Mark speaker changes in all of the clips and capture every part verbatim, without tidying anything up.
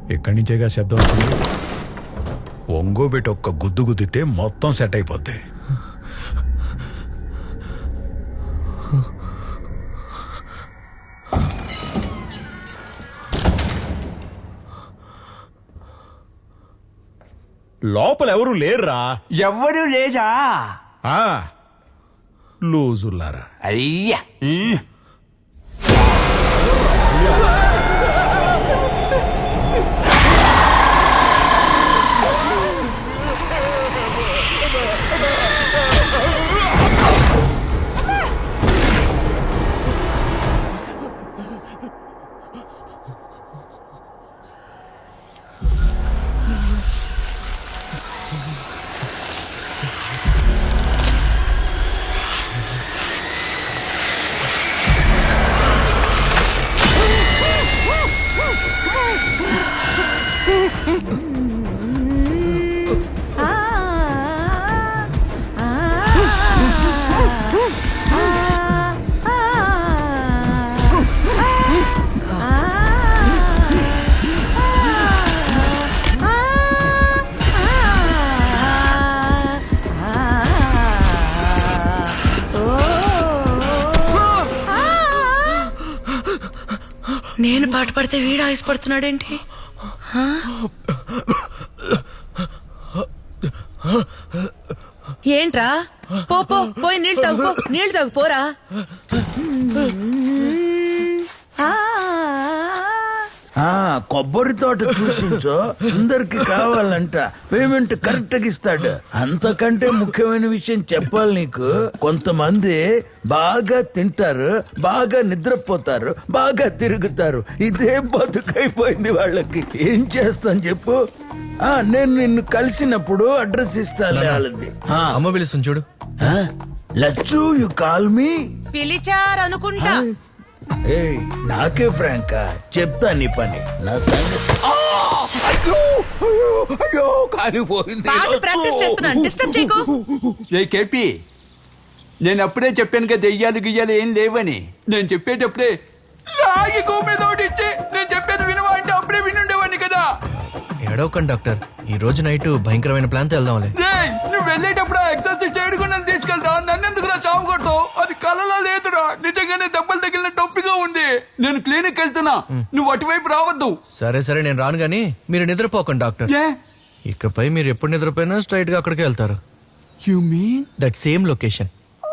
Speaker 1: ఎక్కడి నుంచేగా శబ్దం వస్తుంది. ఒంగోబెట్టి ఒక్క గుద్దు గుద్దితే మొత్తం సెట్ అయిపోద్ది. లోపల ఎవరు లేరురా.
Speaker 2: ఎవరు లేదా?
Speaker 1: లూజుల్లారా.
Speaker 2: అయ్యా
Speaker 3: నేను పాట పడితే వీడు ఆయుష్పడుతున్నాడేంటి? ఏంట్రా? పో పో పోయి నీళ్ళు తాగు, నీళ్ళు తాగు పోరా.
Speaker 4: కొబ్బరి తోట చూసించో సుందర్కి కావాలంట, పేమెంట్ కరెక్ట్ గా ఇస్తాడు. అంతకంటే ముఖ్యమైన విషయం చెప్పాలి నీకు. కొంతమంది బాగా తింటారు, బాగా నిద్రపోతారు, బాగా తిరుగుతారు. ఇదే బతుకైపోయింది వాళ్ళకి. ఏం చేస్తాను చెప్పు? ఆ నేను నిన్ను కలిసినప్పుడు అడ్రస్ ఇస్తాను వాళ్ళది.
Speaker 5: అమ్మ పిలుస్తుంది చూడు.
Speaker 4: Lachchu you call me.
Speaker 3: పిలిచారనుకుంటా.
Speaker 4: ఏయ్ నాకే ఫ్రాంకా చెప్తా నీ పని. నా సంగతి అయ్యో అయ్యో అయ్యో కాలిపోయింది.
Speaker 3: ప్రాక్టీస్ చేస్తున్నాను, డిస్టర్బ్ చేయకు.
Speaker 2: ఏ కేపీ, నేను అప్పుడే చెప్పాను కదా దెయ్యాలు గియ్యాలు ఏం లేవని. నేను చెప్పేటప్పుడే లాగి గోమెదోడిచ్చి నేను చెప్పేది వినవా అంటే అప్పుడే వినుండేవాడిని కదా.
Speaker 5: ఏడవకండి డాక్టర్, ఈ రోజు నైట్ భయంకరమైన ప్లాన్ తో వెళ్దాంలే.
Speaker 2: నువ్వు వెళ్ళేటప్పుడు ఎక్సర్సైజ్ చేయడం నన్ను తీసుకెళ్తా. నన్నెందుకు రా చావు కొడతావు? అది కలలా లేదురా, నిజంగానే దెబ్బలు తగిలిన టొప్పిగా ఉంది. నేను క్లినిక్ వెళ్తున్నా, నువ్వు అటువైపు రావద్దు.
Speaker 5: సరే సరే నేను రాను గానీ మీరు నిద్రపోకండి డాక్టర్. ఇకపై మీరు ఎప్పుడు నిద్రపోయినా స్ట్రైట్ గా అక్కడికి వెళ్తారు.
Speaker 2: You mean
Speaker 5: that same location.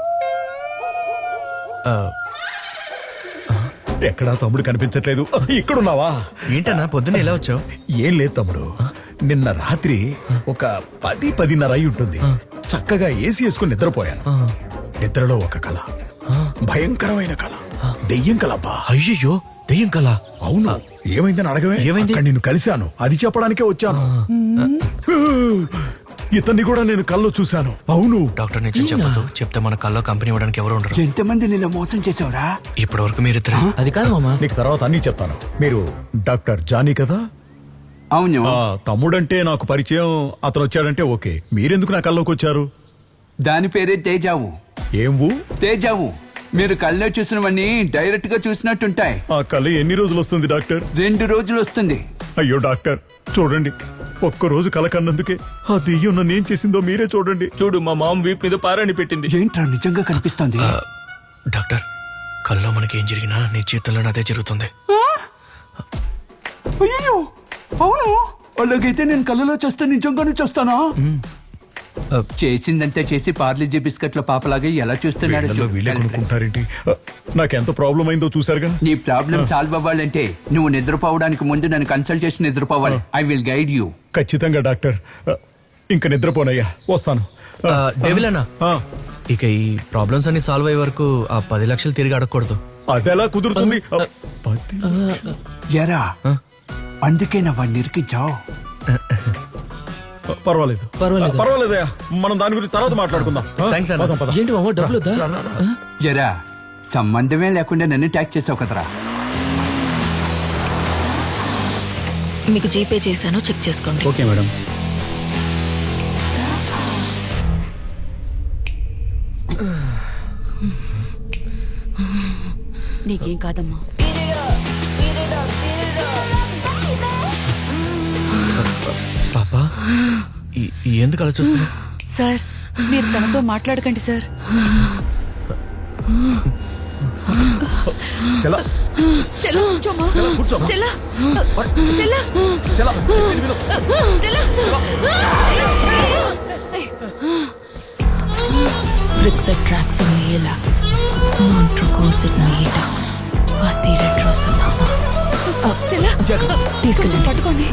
Speaker 1: ఎక్కడా తమ్ముడు కనిపించట్లేదు. ఇక్కడున్నావా?
Speaker 5: ఏంటన్నా పొద్దున్న ఎలా వచ్చావు?
Speaker 1: ఏం లేదు తమ్ముడు, నిన్న రాత్రి ఒక పది పదిన్నర అయి ఉంటుంది. చక్కగా ఏసీ వేసుకుని నిద్రపోయాను. నిద్రలో ఒక కళ, భయంకరమైన కళ, దెయ్యం కలబ్బా.
Speaker 5: అయ్యయ్యో దెయ్యం కళ?
Speaker 1: అవును. ఏమైందని అడగవే.
Speaker 5: ఏమైంది?
Speaker 1: నిన్ను కలిశాను, అది చెప్పడానికే వచ్చాను. ఇతన్ని కూడా నేను కల్లో చూశాను. అవును
Speaker 5: డాక్టర్, నిజం చెప్పదు. చెప్తే మన కల్లో కంపెనీ ఇవ్వడానికి ఎవరు ఉండరు.
Speaker 2: ఎంతమంది నిన్న మోసం చేసావురా?
Speaker 5: ఇప్పటి వరకు మీరిద్దరు.
Speaker 6: అది కాదు మామా,
Speaker 1: నీకు తర్వాత అన్ని చెప్తాను. మీరు డాక్టర్ జానీ కదా?
Speaker 2: అవును.
Speaker 1: తమ్ముడంటే నాకు పరిచయం, అతను వచ్చాడంటే ఓకే. మీరెందుకు నా కల్లోకి వచ్చారు?
Speaker 2: దాని పేరే తేజావు.
Speaker 1: ఏం ఊ?
Speaker 2: తేజావు. మీరు కళ్ళలో చూసినవన్నీ డైరెక్ట్ గా చూసినట్టుంటాయి.
Speaker 1: ఆ కళ ఎన్ని రోజులు వస్తుంది డాక్టర్?
Speaker 2: రెండు రోజులు వస్తుంది.
Speaker 1: అయ్యో డాక్టర్ చూడండి, ఒక్క రోజు కల కన్నందుకే ఆ దెయ్యం నన్ను ఏం చేసిందో మీరే చూడండి.
Speaker 6: చూడు మా మామ వీపు మీద పారాని పెట్టింది.
Speaker 2: ఏంట్రా నిజంగా కనిపిస్తోంది?
Speaker 5: డాక్టర్, కల్లో మనకి ఏం జరిగినా నీ జీవితంలో అదే జరుగుతుంది.
Speaker 2: అయ్యో అవును. అలాగైతే నేను కళ్ళలో చూస్తే నిజంగానే చూస్తానా? చేసిందంతా చేసి పార్లీజీ బిస్కెట్ల పాపలాగా ఎలా చూస్తున్నాడు?
Speaker 1: వీళ్ళే కొనుక్కుంటారేంటి? నాకెంత ప్రాబ్లం అయిందో చూసారుగా.
Speaker 2: నీ ప్రాబ్లం సాల్వ్ అవ్వాలంటే నువ్వు నిద్రపోవడానికి ముందు నన్ను కన్సల్ట్ చేసి నిద్రపోవాలి. I will guide you.
Speaker 1: ఖచ్చితంగా డాక్టర్. ఇంకా నిద్రపోనయ్యా, వస్తాను.
Speaker 5: డెవిల్ అన్నా, ఇక ఈ ప్రాబ్లమ్స్ అన్ని సాల్వ్ అయ్యే వరకు ఆ పది లక్షలు తిరిగి అడగకూడదు.
Speaker 1: అదెలా కుదురుతుంది?
Speaker 2: ఎరా, అందుకే నా వాడిని ఇరికించావు.
Speaker 1: పర్వాలేదు
Speaker 6: పర్వాలేదు
Speaker 1: పర్వాలేదయ్యా, మనం దాని గురించి తర్వాత మాట్లాడుకుందాం.
Speaker 6: ఏంటి మామ డబ్బులు
Speaker 2: జరా సంబంధమే లేకుండా నన్ను ట్యాక్ చేసావు కదరా.
Speaker 3: మీకు జీపే చేశాను, చెక్ చేసుకోండి.
Speaker 6: Okay madam.
Speaker 3: నీకేం కాదమ్మా.
Speaker 5: ఈ- ఎందుకు అలా చూస్తున్నా
Speaker 7: సార్ మీరు తనతో మాట్లాడకండి సార్.
Speaker 1: స్టెల్లా
Speaker 7: స్టెల్లా కూర్చోమ్మా.
Speaker 1: కూర్చోమ్మా.
Speaker 7: స్టెల్లా స్టెల్లా
Speaker 1: స్టెల్లా చెప్పేది విను.
Speaker 7: Stella
Speaker 3: Brixatraxin Elax, Montrocosid Medax, Atiretrosinama.
Speaker 7: Stella కొంచెం పట్టుకోండి.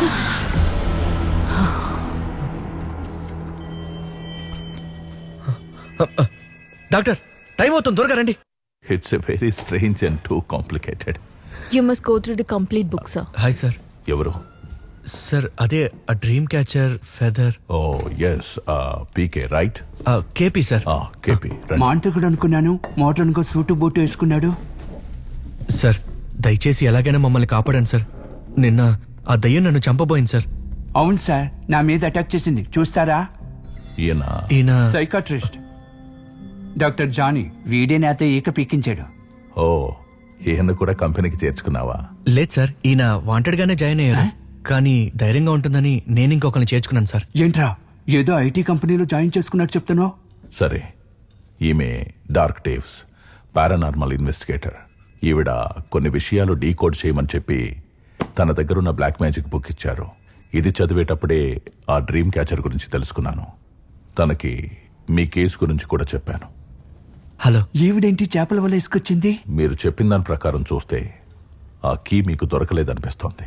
Speaker 5: డాక్టర్ టైం అవుతుంది త్వరగా రండి.
Speaker 8: It's a very strange and too complicated.
Speaker 3: You must go through the complete book, sir.
Speaker 5: Hi sir.
Speaker 8: ఎవరు?
Speaker 5: సార్ అదే ఆ dream catcher feather
Speaker 8: oh yes PK right.
Speaker 5: KP sir.
Speaker 8: KP
Speaker 2: మాంత్రికుడు అనుకున్నాను, మోటార్నుకో సూటు బూటు వేసుకున్నాడు.
Speaker 5: సార్ దయచేసి ఎలాగైనా మమ్మల్ని కాపాడండి సార్. నిన్న ఆ దయ్యం నన్ను చంపబోయింది సార్.
Speaker 2: అవును సార్, నా మీద అటాక్ చేసింది. చూస్తారా?
Speaker 8: ఈయన
Speaker 5: ఈయన
Speaker 2: సైకాట్రిస్ట్ డాక్టర్ జానీ. వీడే నాతో ఈక పీకించాడు.
Speaker 8: ఓ ఈయన కూడా కంపెనీకి చేర్చుకున్నావా?
Speaker 5: లేదు సార్, ఈయన వాంటెడ్ గానే జాయిన్ అయ్యారు. కానీ ధైర్యంగా ఉంటుందని నేను ఇంకొకరిని చేర్చుకున్నాను సార్.
Speaker 2: ఏంట్రా ఏదో ఐటీ కంపెనీలో జాయిన్ చేసుకున్నట్టు చెప్తున్నావు?
Speaker 8: సరే, ఈమె డార్క్ టేవ్స్ పారానార్మల్ ఇన్వెస్టిగేటర్. ఈవిడ కొన్ని విషయాలు డీకోడ్ చేయమని చెప్పి తన దగ్గరున్న బ్లాక్ మ్యాజిక్ బుక్ ఇచ్చారు. ఇది చదివేటప్పుడే ఆ డ్రీమ్ క్యాచర్ గురించి తెలుసుకున్నాను. తనకి మీ కేసు గురించి కూడా చెప్పాను.
Speaker 5: హలో.
Speaker 2: ఈవిడేంటి చేపల వల్ల ఇసుకొచ్చింది?
Speaker 8: మీరు చెప్పిన దాని ప్రకారం చూస్తే ఆ కీ మీకు దొరకలేదనిపిస్తోంది.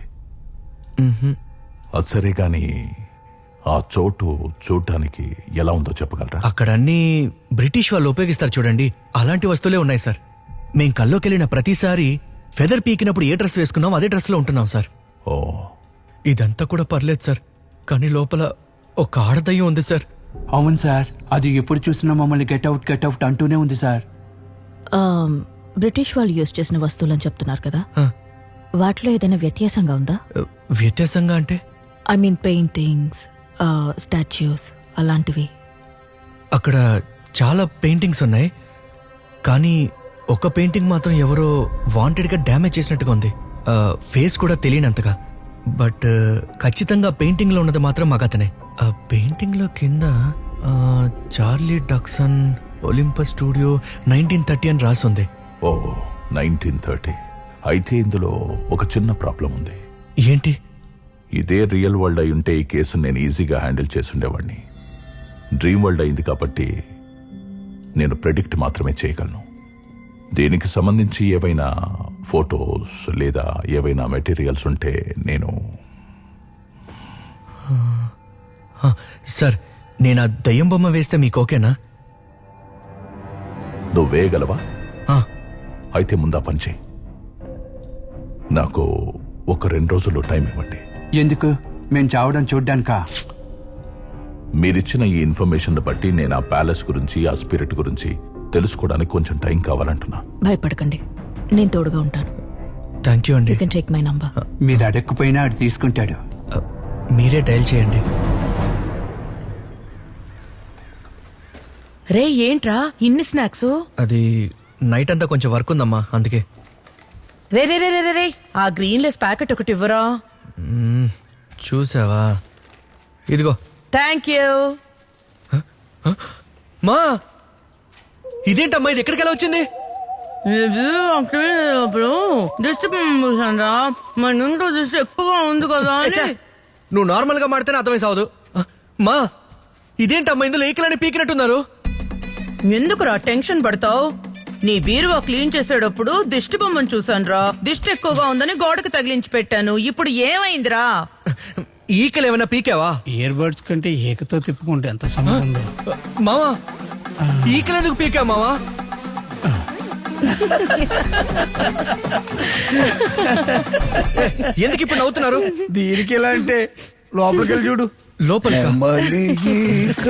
Speaker 8: అది సరే గాని ఆ చోటు చూడటానికి ఎలా ఉందో చెప్పగలరా?
Speaker 5: అక్కడ అన్ని బ్రిటిష్ వాళ్ళు ఉపయోగిస్తారు చూడండి, అలాంటి వస్తువులే ఉన్నాయి సార్. మేం కల్లోకి వెళ్ళిన ప్రతిసారి ఫెదర్ పీకినప్పుడు ఏ డ్రెస్ వేసుకున్నాం అదే డ్రెస్ లో ఉంటున్నాం సార్.
Speaker 8: ఓ
Speaker 5: ఇదంతా కూడా పర్లేదు సార్, కానీ లోపల ఒక ఆడదయ్యం ఉంది సార్.
Speaker 2: అవును సార్, అది ఎప్పుడు చూసినా మమ్మల్ని గెట్అవుట్ గెట్అవుట్ అంటూనే ఉంది సార్.
Speaker 3: బ్రిటిష్ వాళ్ళు యూజ్ చేసిన వస్తువులని చెప్తున్నారు కదా,
Speaker 5: ఆ,
Speaker 3: వాటిలో ఏదైనా వ్యత్యాసంగా ఉందా?
Speaker 5: వ్యత్యాసంగా అంటే
Speaker 3: ఐ మీన్ పెయింటింగ్స్, స్టాచ్యూస్ అలాంటివి.
Speaker 5: అక్కడ చాలా పెయింటింగ్స్ ఉన్నాయి, కానీ ఒక పెయింటింగ్ మాత్రం ఎవరో వాంటెడ్ గా డ్యామేజ్ చేసినట్టుగా ఉంది. ఫేస్ కూడా తెలియనంతగా. బట్ ఖచ్చితంగా పెయింటింగ్ లో ఉన్నది మాత్రం మగతనే. ఆ పెయింటింగ్ లో కింద ఆ, Charlie Duxon Olympus studio nineteen thirty అని రాసుంది.
Speaker 8: Oh nineteen thirty. అయితే ఇందులో ఒక చిన్న ప్రాబ్లం ఉంది.
Speaker 5: ఏంటి?
Speaker 8: ఇదే రియల్ వరల్డ్ అయి ఉంటే ఈ కేసు నేను ఈజీగా హ్యాండిల్ చేసుండేవాడిని. డ్రీమ్ వరల్డ్ అయింది కాబట్టి నేను ప్రెడిక్ట్ మాత్రమే చేయగలను. దీనికి సంబంధించి ఏవైనా ఫొటోస్ లేదా ఏవైనా మెటీరియల్స్ ఉంటే నేను
Speaker 5: ఆ, సార్ నేను ఆ దయ్యం బొమ్మ వేస్తే మీకు ఓకేనా?
Speaker 8: నువ్వు వేయగలవా?
Speaker 5: ఆ,
Speaker 8: అయితే ముందా పని చేయి. నాకు ఒక రెండు రోజులు టైం ఇవ్వండి.
Speaker 2: ఎందుకు? మేం చావడం చూడ్డానికా?
Speaker 8: మీరిచ్చిన ఈ ఇన్ఫర్మేషన్ బట్టి నేను ఆ ప్యాలెస్ గురించి ఆ స్పిరిట్ గురించి తెలుసుకోవడానికి కొంచెం టైం కావాలంటున్నా.
Speaker 3: భయపడకండి, నేను తోడుగా ఉంటాను.
Speaker 5: థ్యాంక్ యూ అండి.
Speaker 3: You can take my number.
Speaker 2: మీరు అడగకపోయినా అది తీసుకుంటాడు.
Speaker 5: ఆ, మీరే డయల్ చేయండి.
Speaker 9: రే ఏంట్రా ఇన్ని స్నాక్స్?
Speaker 5: అది నైట్ అంతా కొంచెం వర్క్ ఉందమ్మా, అందుకే.
Speaker 9: రే రే రే రే రే ఆ గ్రీన్ లెస్ ప్యాకెట్ ఒకటి ఇవ్వరా?
Speaker 5: మ్మ్, చూసావా? ఇదిగో.
Speaker 9: Thank you.
Speaker 5: మా ఇదేంటమ్మా, ఇది ఎక్కడికి ఎలా వచ్చింది?
Speaker 9: అప్పుడు దిష్టి పూసానరా, మన ఇంట్లో దిష్టి ఎక్కువగా ఉంది కదా అని.
Speaker 5: నువ్వు నార్మల్ గా మాడితేనే అర్థమై సావదు. మా ఇదేంటమ్మా, ఇందులో ఏకలని పీకినట్టున్నారు.
Speaker 9: ఎందుకురా టెన్షన్ పడతావు? నీ బీరువా క్లీన్ చేసేటప్పుడు దిష్టి బొమ్మను చూసానురా, దిష్టి ఎక్కువగా ఉందని గోడకు తగిలించి పెట్టాను. ఇప్పుడు ఏమైందిరా?
Speaker 5: ఈకలు ఏమైనా పీకావా?
Speaker 6: ఇయర్ బడ్స్ కంటే ఏకతో తిప్పుకుంటే ఎంత సమయం ఉందో.
Speaker 5: మావా ఈకలు ఎందుకు పీకా మావా? ఎందుకు ఇప్పుడు నవ్వుతున్నారు?
Speaker 6: దీనికి ఎలా అంటే లోపలికి వెళ్ళి చూడు.
Speaker 5: లోపల
Speaker 4: నెమలిక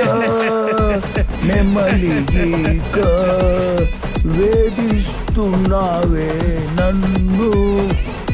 Speaker 4: నెమలిక వేధిస్తున్నావే నన్ను